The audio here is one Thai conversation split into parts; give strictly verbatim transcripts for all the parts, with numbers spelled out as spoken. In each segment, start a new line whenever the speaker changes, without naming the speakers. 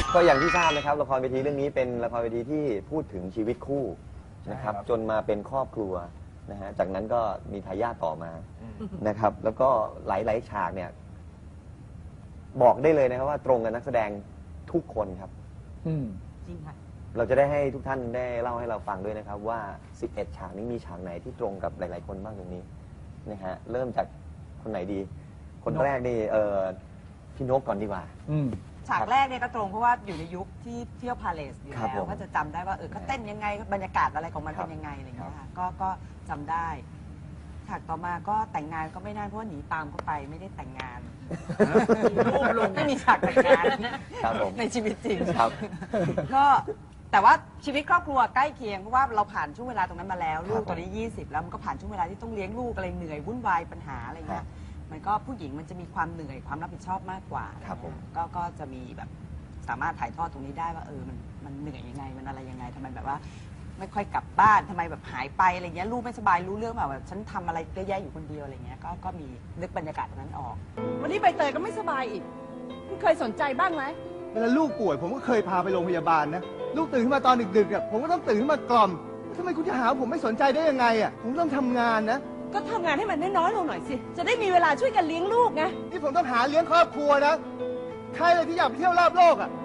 ก็อย่างที่ทราบนะครับละครเวทีเรื่องนี้เป็นละครเวทีที่พูดถึงชีวิตคู่นะครับจนมาเป็นครอบครัวนะฮะจากนั้นก็มีทายาทต่อมานะครับแล้วก็หลายๆฉากเนี่ยบอกได้เลยนะครับว่าตรงกับนักแสดงทุกคนครับ
จริงค่ะ
เราจะได้ให้ทุกท่านได้เล่าให้เราฟังด้วยนะครับว่าสิบเอ็ดฉากนี้มีฉากไหนที่ตรงกับหลายๆคนบ้างตรงนี้นะฮะเริ่มจากคนไหนดี คนแรกนี่เออพี่นกก่อนดีกว่า
ฉากแรกเนี่ยก็ตรงเพราะว่าอยู่ในยุคที่เที่ยวพาเลสอยู่แล้วก็จะจำได้ว่าเออเขาเต้นยังไงบรรยากาศอะไรของมันเป็นยังไงอะไรอย่างเงี้ยค่ะก็ก็จำได้ฉากต่อมาก็แต่งงานก็ไม่ได้เพราะว่าหนีตามเขาไปไม่ได้แต่งงานรูปลงไม่มีฉากแต่งงานในชีวิตจริงก็แต่ว่าชีวิตครอบครัวใกล้เคียงเพราะว่าเราผ่านช่วงเวลาตรงนั้นมาแล้วลูกตอนนี้ยี่สิบแล้วมันก็ผ่านช่วงเวลาที่ต้องเลี้ยงลูกอะไรเหนื่อยวุ่นวายปัญหาอะไรเงี้ยมันก็ผู้หญิงมันจะมีความเหนื่อยความรับผิดชอบมากกว่าก็ก็จะมีแบบสามารถถ่ายทอดตรงนี้ได้ว่าเออมันมันเหนื่อยยังไงมันอะไรยังไงทำไมแบบว่าไม่ค่อยกลับบ้านทำไมแบบหายไปอะไรเงี้ยลูกไม่สบายรู้เรื่องแบบฉันทำอะไรเยอะแยะอยู่คนเดียวอะไรเงี้ยก็ก็มีนึกบรรยากาศตรงนั้นออก
วันนี้ใบเตยก็ไม่สบายอีกคุณเคยสนใจบ้างไหม
เวลาลูกป่วยผมก็เคยพาไปโรงพยาบาลนะลูกตื่นขึ้นมาตอนดึกๆอ่ะผมก็ต้องตื่นขึ้นมากล่อมทำไมคุณจะหาผมไม่สนใจได้ยังไงอ่ะผมต้องทำงานนะ
ก็ทำงานให้มันน้อยๆลงหน่อยสิจะได้มีเวลาช่วยกันเลี้ยงลูกไง
นี่ผมต้องหาเลี้ยงครอบครัวนะใครเลยที่อยากไปเที่ยวรอบโลกอ่ะ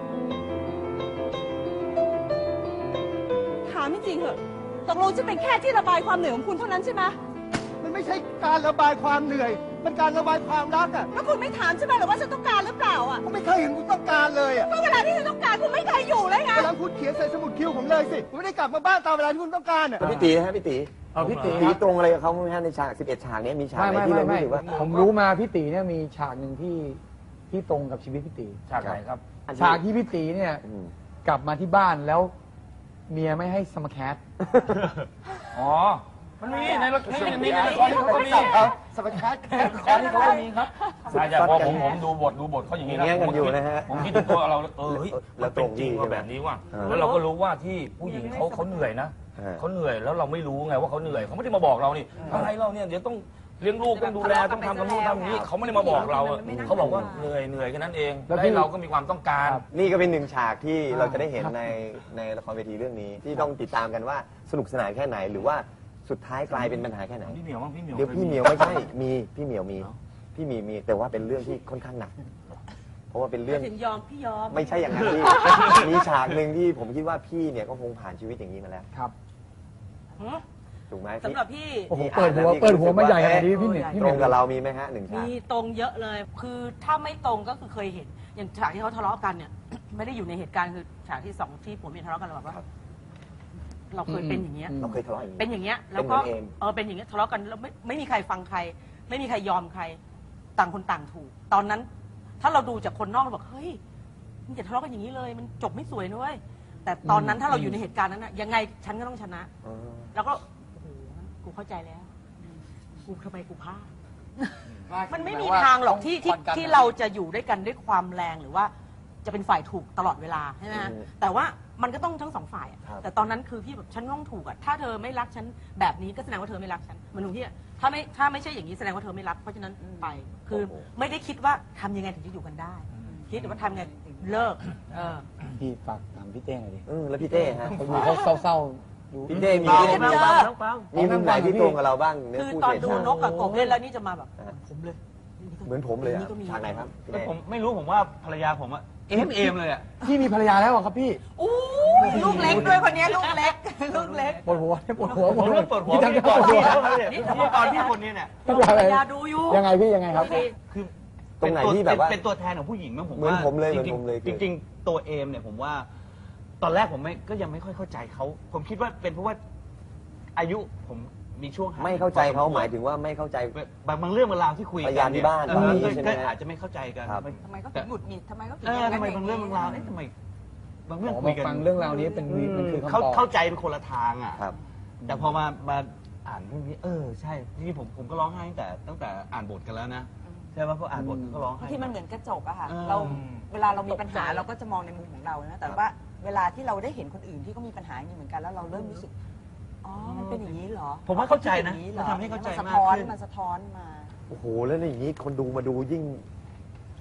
ถามจริงๆเหอะตกลงจะเป็นแค่ที่ระบายความเหนื่อยของคุณเท่านั้นใช่ไหม
มันไม่ใช่การระบายความเหนื่อยมันการระบายความรักอ่ะ
แล้วคุณไม่ถามใช่ไหมหรือว่าฉันต้องการหรือเปล่าอ่ะ
ผมไม่เคยเห็นคุณต้องการเลยอ่ะ
ก็เวลาที่ฉันต้องการคุณไม่เคยอยู่เลยไง
เวลาคุณเขียนใส่สมุดคิวผมเลยสิผมไม่ได้กลับมาบ้านตามเวลาที่คุณต้องการอ่ะ
พี่ตีฮะพี่ตี
เอาพี่ตี
ตีตรงอะไรกับเขาไหมฮะในฉากสิบเอ็ดฉากนี้มีฉากไหนที่เรารู้สึกว่า
ผมรู้มาพี่ตีเนี่ยมีฉากหนึ่งที่ที่ตรงกับชีวิตพี่ตี
ฉากไหนครับ
ฉากที่พี่ตีเนี่ยกลับมาที่บ้านแล้วเมียไม่ให้สมแคท
อ๋อมันมีในละครมีในละครที่เขาก็มี
ครับสมแคท
ละครที่เขาก็มีครับใช่ใช่พอผมผมดูบทดูบทเขาอย่างนี้นะ
กันอยู่นะฮะ
ผมคิดถึงตัวเราเออเฮ้ยแล้วตรงจริงว่าแบบนี้ว่าแล้วเราก็รู้ว่าที่ผู้หญิงเขาเขาเหนื่อยนะเขาเหนื่อยแล้วเราไม่รู้ไงว่าเขาเหนื่อยเขาไม่ได้มาบอกเรานี่อะไรเราเนี่ยเดี๋ยวต้องเลี้ยงลูกต้องดูแลต้องทำกับลูกทำนี้เขาไม่ได้มาบอกเราเขาบอกว่าเหนื่อยเหนื่อยแค่นั้นเองแล้วเราก็มีความต้องการ
นี่ก็เป็นหนึ่งฉากที่เราจะได้เห็นในในละครเวทีเรื่องนี้ที่ต้องติดตามกันว่าสนุกสนานแค่ไหนหรือว่าสุดท้ายกลายเป็นปัญหาแค่ไหน
พี่เหมียวมั้งพี่เหมียว
เดี๋ยวพี่เหมียวไม่ใช่มีพี่เหมียวมีพี่มีมีแต่ว่าเป็นเรื่องที่ค่อนข้างหนักเพราะว่าเป็นเรื่อง
ถึงยอมพี่ยอม
ไม่ใช่อย่างนั้นพี่มีฉากหนึ่งที่ผมคิดว่าพี่เนี่ยก็คงผ่านชีวิตอย่างนี้มาแล้ว
ครับ
ถูกไหม
สำหรับพี่
โอ้โหเปิดหัวเปิดหัวมาใหญ่ขนาดนี้พี่เหมียว
ตรงกับเรามีไหมฮะหนึ่งฉาก
มีตรงเยอะเลยคือถ้าไม่ตรงก็คือเคยเห็นอย่างฉากที่เขาทะเลาะกันเนี่ยไม่ได้อยู่ในเหตุการณ์คือฉากที่สองที่ผัวเมียทะเลาะกันเราแบบว่าเราเคยเป็นอย่างเงี้ย
เราเคยทะเลาะอย่าง
เป็นอย่างเงี้ยแล้วก็เออเป็นอย่างเงี้ยทะเลาะกันแล้วไม่ไม่มีใครฟังใครไม่มีใครยอมใครต่างคนต่างถูกตอนนั้นถ้าเราดูจากคนนอกเราบอกเฮ้ยมันจะทะเลาะกันอย่างนี้เลยมันจบไม่สวยด้วยแต่ตอนนั้นถ้าเราอยู่ในเหตุการณ์นั้นนะยังไงฉันก็ต้องชนะแล้วก็โอ้โหกูเข้าใจแล้วกูทำไมกูพลาดมันไม่มีทางหรอกที่ที่ที่เราจะอยู่ด้วยกันด้วยความแรงหรือว่าจะเป็นฝ่ายถูกตลอดเวลาใช่ไหมแต่ว่ามันก็ต้องทั้งสองฝ่ายแต่ตอนนั้นคือพี่แบบฉันต้องถูกอ่ะถ้าเธอไม่รักฉันแบบนี้ก็แสดงว่าเธอไม่รักฉันมันตรงที่ถ้าไม่ถ้าไม่ใช่อย่างนี้แสดงว่าเธอไม่รักเพราะฉะนั้นไปคือไม่ได้คิดว่าทำยังไงถึงจะอยู่กันได้คิดว่าทำไงเลิกเออ
พี่ฝากถามพี่เต้หน่อยดิ
แล้วพี่เต้ฮะ
เขาดูเขาเศร้าๆ
พี่เต้มีมีมุมไหนที่ตรงกับเราบ้าง
คือตอนดูนกกับกบเล่นแล้วนี่จะมาแบบผมเลย
เหมือนผมเลยฉากไหนครับ
ผมไม่รู้ผมว่าภรรยาผมอะเอมเอมเลยอ่ะ
พี่มีภรรยาแล้วครับพี่
อู้ลูกเล็กด้วยคนนี้ลูกเล็กลูกเล็ก
ปวดหัวปวดหัว
ผมเริ่มปวดหัวพี่ก่อนพี่นี่ตอนพี่คนนี้เนี่ย
ภรรยาดูอยู่
ยังไงพี่ยังไงครับ
คือ
ตรงไหนที่แบบว่า
เป็นตัวแทนของผู้หญิงมั้งผม
เหมือนผมเลยเหมือนผมเลย
จริงๆตัวเอมเนี่ยผมว่าตอนแรกผมไม่ก็ยังไม่ค่อยเข้าใจเขาผมคิดว่าเป็นเพราะว่าอายุผมมีช่วง
ไม่เข้าใจเขาหมายถึงว่าไม่เข้าใจ
บางบางเรื่องบางราวที่คุย
กันที่บ้าน
ก็อาจจะไม่เข้าใจกัน
ทำไมก็ถึงหงุดหงิดทำไมก็ถึง
ทำไมบางเรื่องบางราวทำไมบางเรื่องคุยกัน
ฟังเรื่องราวนี้เป็นมันคือ
เขาเข้าใจเป็นคนละทางอ่ะแต่พอมามาอ่านเรื่องนี้เออใช่ที่ผมผมก็ร้องไห้ตั้งแต่ตั้งแต่อ่านบทกันแล้วนะใช่ไหมเพราะอ่านบทก็ร้องไห้
ที่มันเหมือนกระจกอะค่ะเราเวลาเรามีปัญหาเราก็จะมองในมุมของเรานะแต่ว่าเวลาที่เราได้เห็นคนอื่นที่เขามีปัญหาอย่างนี้เหมือนกันแล้วเราเริ่มรู้สึกอ๋อมันเป็นอย่างนี้เหรอ
ผมว่าเข้าใจนะมันทำให้เข้าใจมากขึ้น
มันสะท้อนมา
โอ้โหแล้วอย่างนี้คนดูมาดูยิ่ง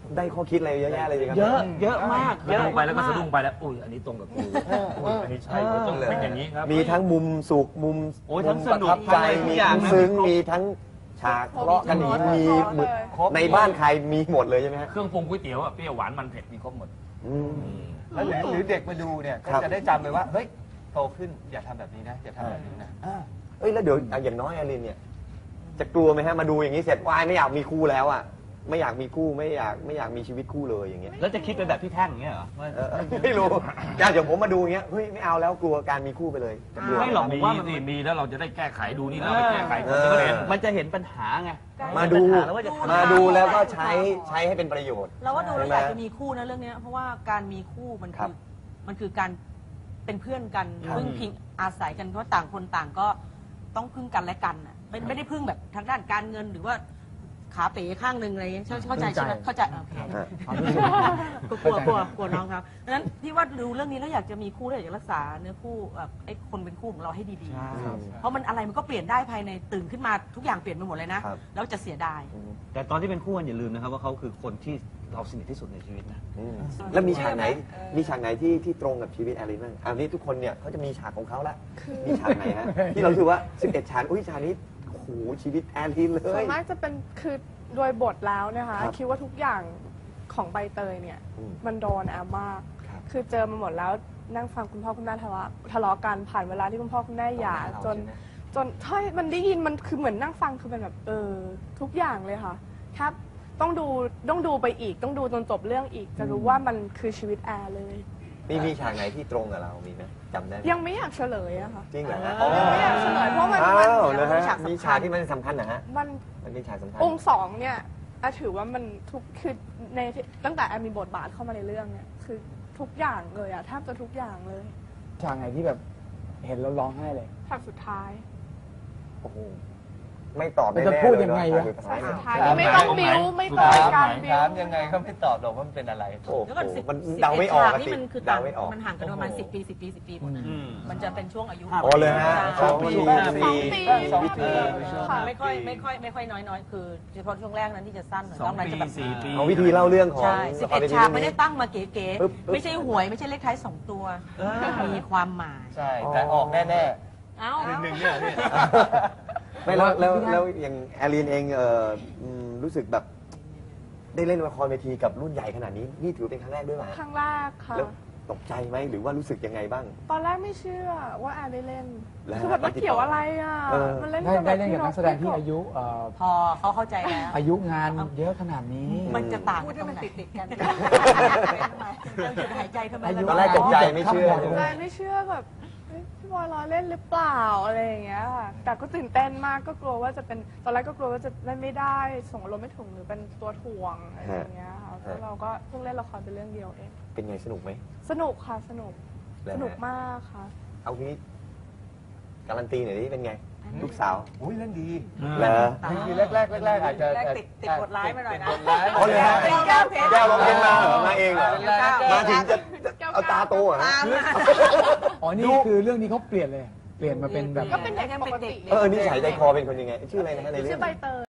ได้ข้อคิดอะไรเยอะแยะเลยสิครับ
เยอะเยอะมากเย
แล้ว
อะ
ลงไปแล้วก็
มา
สะดุ้งไปแล้วอุ้ยอันนี้ตรงกับกูอุ้ยอันนี้ใช่ก็ต้องเป็นอย่างนี้ครับ
มีทั้งมุมสุขมุม
โอ้ยทั้ง
มุม
ส
ประ
นุก
ทับใจ
ทั้งอะไรทุ
มี
กอย่าง
ทั้ง
นะ
ซึ้ง
ครบ
มีทั้งฉากทะเลาะกันอย่างนี้มีหมด
ครบ
ในบ้านใครมีหมดเลยใช่ไหมฮะ
เครื่องปรุงก๋วยเตี๋ยวอะเปรี้ยวหวานมันเผ็ดมีครบหมด
อืม
แล้วหรือหรือเด็กมาดูเนี่ยก็
ครับ
จะได้จำเลยว่าเฮ้ยโตขึ้นอย่าทำแบบนี้นะอย่าทำแบบนี้นะอ่า
เอ้ยแล้วเดี๋ยวอย่างน้อยอลินเนี่ย จะกลัวไหมฮะมาดูอย่างนี้เสร็จวายไม่อยากมีคู่แล้วอ่ะไม่อยากมีคู่ไม่อยากไม่อยากมีชีวิตคู่เลยอย่างเงี้ย
แล้วจะคิดเป็นแบบพี่แท่งอย่างเงี้ยเหรอว่า
เออไม่รู้อย่างเดี๋ยวผมมาดูอย่างเงี้ยเฮ้ยไม่เอาแล้วกลัวการมีคู่ไปเลยจะกลัว
ไม่หรอก
มี
ว่ามัน
สิมีแล้วเราจะได้แก้ไขดูนี่เราไปแก้ไขคนจะเห็น
มันจะเห็นปัญหาไง
มาดู
เห็นปัญหแล้วว่าจะทำ
มาดูแล้วก็ใช้ใช้ให้เป็นประโยชน์
เราว่าดูแล้ว
ใช่
อ
ไหม
ยากจะมีคู่นะเรื่องเนี้ยเพราะว่าการมีคู่มัน
ครั
คื
บ
อมันคือการเป็นเพื่อนกัน
ครับ
พึ่งพิงอาศัยกันเพราะต่างคนต่างก็ต้องพึ่งกันและกันอ่ะไม่ไม่ได้พึ่งแบบทางด้านการเงินหรือว่าขาเป๋ข้างหนึ่งอะไรอย่างเงี้ยเข้าเข้าใจใช่ไหมเข้าใจโอเค
ฮะ
ความรู้สึก
กลัวกลัวกลัวน้องครับดังนั้นพี่ว่าดูเรื่องนี้แล้วอยากจะมีคู่แล้วอยากจะรักษาเนื้อคู่แบบไอ้คนเป็นคู่ของเราให้ดี
ใช่
ๆ เพราะมันอะไรมันก็เปลี่ยนได้ภายในตื่นขึ้นมาทุกอย่างเปลี่ยนไปหมดเลยนะครับ แล้วจะเสียดาย
แต่ตอนที่เป็นคู่กันอย่าลืมนะครับว่าเขาคือคนที่เราสนิทที่สุดในชีวิตนะ
อืมแล้วมีฉากไหน มีฉากไหนที่ที่ตรงกับชีวิตแอลินบ้างอันนี้ทุกคนเนี่ยเขาจะมีฉากของเขาละมีฉากไหนฮะที่เราถือว่าสิบเอ็ดฉากอุ้ยฉากนี้โอ้โหชีวิตแอลินเล
ส่วย นมากจะเป็นคือโดยบทแล้วนะคะ
ครับ
คิดว่าทุกอย่างของใบเตยเนี่ย
อืม
มันโดนแอมมาก
ครับ
คือเจอมาหมดแล้วนั่งฟังคุณพ่อคุณแม่ทะเลาะทะเลาะกันผ่านเวลาที่คุณพ่อคุณแม่หย่าจน จนใช่มันได้ยินมันคือเหมือนนั่งฟังคือเป็นแบบเออทุกอย่างเลยค่ะครับต้องดูต้องดูไปอีกต้องดูจนจบเรื่องอีก จะรู้ว่ามันคือชีวิตแอร์เลย
มีมีฉากไหนที่ตรงกับเรามีไหมจำได้ไหม
ยังไม่อยากเฉลยอะค่ะ
จริงเหรอฮะ
ยังไม่อยากเฉลยเพราะมัน
อ้า
มัน
วเลยฮะ
ฉากสำคัญ
มีฉากที่มันสำคัญนะฮะ
มัน
มันเป็นฉากสำคัญ
องค์สองเนี่ยอาถือว่ามันทุกคือในตั้งแต่แอมมีบทบาทเข้ามาในเรื่องเนี่ยคือทุกอย่างเลยอะแทบจะทุกอย่างเลย
ฉากไหนที่แบบเห็นแล้วร้องไห้เลย
ฉากสุดท้าย
โอ้โหไม่ตอบ
มัน
แน่ๆ
จะพูด
เล
ยังไง
เนอะ
วะ
ฉากสุดท้าย
ฉากสุดท้ายนี่ไม่ต้องบิ้วไม่ต้องการบิ้ว
ถามยังไงก็ไม่ตอบหรอกว่ามันเป็นอะไร
โอ้โห
แล้วก็สิบ
มัน
สิบ
เดาไม่ออก
ฉาก
อะ
นี่
สิ
มันคือ
เดา
ต่าง
ไม่ออก
มันห่างกันประมาณสิบปีสิบปีสิบปีหมดนะ
อืม
มันจะเป็นช่วงอายุ
อ๋อเลยฮะ
สอง
อ๋อ
ปี
มันมี
สองปี
สองปี
ค่ะ
ไม่ค่อยไม่ค่อยไม่ค่อยน้อยน้อยคือเฉพาะช่วงแรกนั้นที่จะสั้นหน่อย
สอง
นอกนั้น
ปี
จะแบบ
สี่ปี
เอาวิธีเล่าเรื่องของ
ใช่สิบ
ละค
เอ็
ร
ด
วที
ฉาก
เรื่อง
ไม่
นี้
ได้ตั้งมาเก๋
ปึ๊บปึ๊บ
ๆไม่ใช่หวยไม่ใช่เลขท้ายสองตัว มีความหมาย
ใช่ แต่ออกแน่
เอ้า
ๆหนึ่งเนี่ยพี่
ไม่แล้วแล้วแล้วอย่างแอลีนเองเอ่ออืมรู้สึกแบบได้เล่นละครเวทีกับรุ่นใหญ่ขนาดนี้นี่ถือเป็นครั้งแรกด้วยไหม
ครั้งแรกค่ะ
แล้วตกใจไหมหรือว่ารู้สึกยังไงบ้าง
ตอนแรกไม่เชื่อว่าแอนได้เล่น
แล้ว
คือแบบมันเกี่ยวอะไรอ่ะ
เออ
มันเล่น
ได้
กับ
ได้เล่นกับนักแสดงที่
เรา
อายุเอ่อ
พอเขาเข้าใจแล้ว
อายุงานเยอะขนาดนี้
มันจะต่างกันตรงไหนติดๆกันเราหยุดหายใจทำไม
อายุ
ตอนแรกตกใจไม่เชื่อ
ใช่ไม่เชื่อแบบเฮ้ยพี่บอยล้อเล่นหรือเปล่าอะไรอย่างเงี้ยค่ะแต่ก็ตื่นเต้นมากก็กลัวว่าจะเป็นตอนแรกก็กลัวว่าจะเล่นไม่ได้ส่งอารมณ์ไม่ถึงหรือเป็นตัวถ่วงอะไรอย่างเงี้ยค่ะแล้วเราก็เพิ่งเล่นละครเป็นเรื่องเดียวเอง
เป็นไงสนุกไหม
สนุกค่ะสนุก
แล้ว
สนุก
ฮะ
มากค่ะ
เอาทีนี้การันตีหน่อยดิเป็นไง ลูกสาว
อุ้ยเล่นดี
เหรอ
คือแรกๆแรกๆอาจจะ
แรกติดติดบทร้ายมาหน่อยนะ
ติดบทร้าย
อ๋อเลยฮะ
แก้วเพชร
แก้วร้องเพลงมาเหรอมาเองเหรอ
แรกๆ
มาถึงจะจะเอาตาโตเหรอฮะ
อ๋อ นี่คือเรื่องนี้เขาเปลี่ยนเลย เปลี่ยนมาเป็นแบบ
ก็เป็นเด็กปกติ
เออนิสัยใจคอเป็นคนยังไง ชื่ออะไรนะฮะในเรื่
ชื่
อ
อง ใบเตย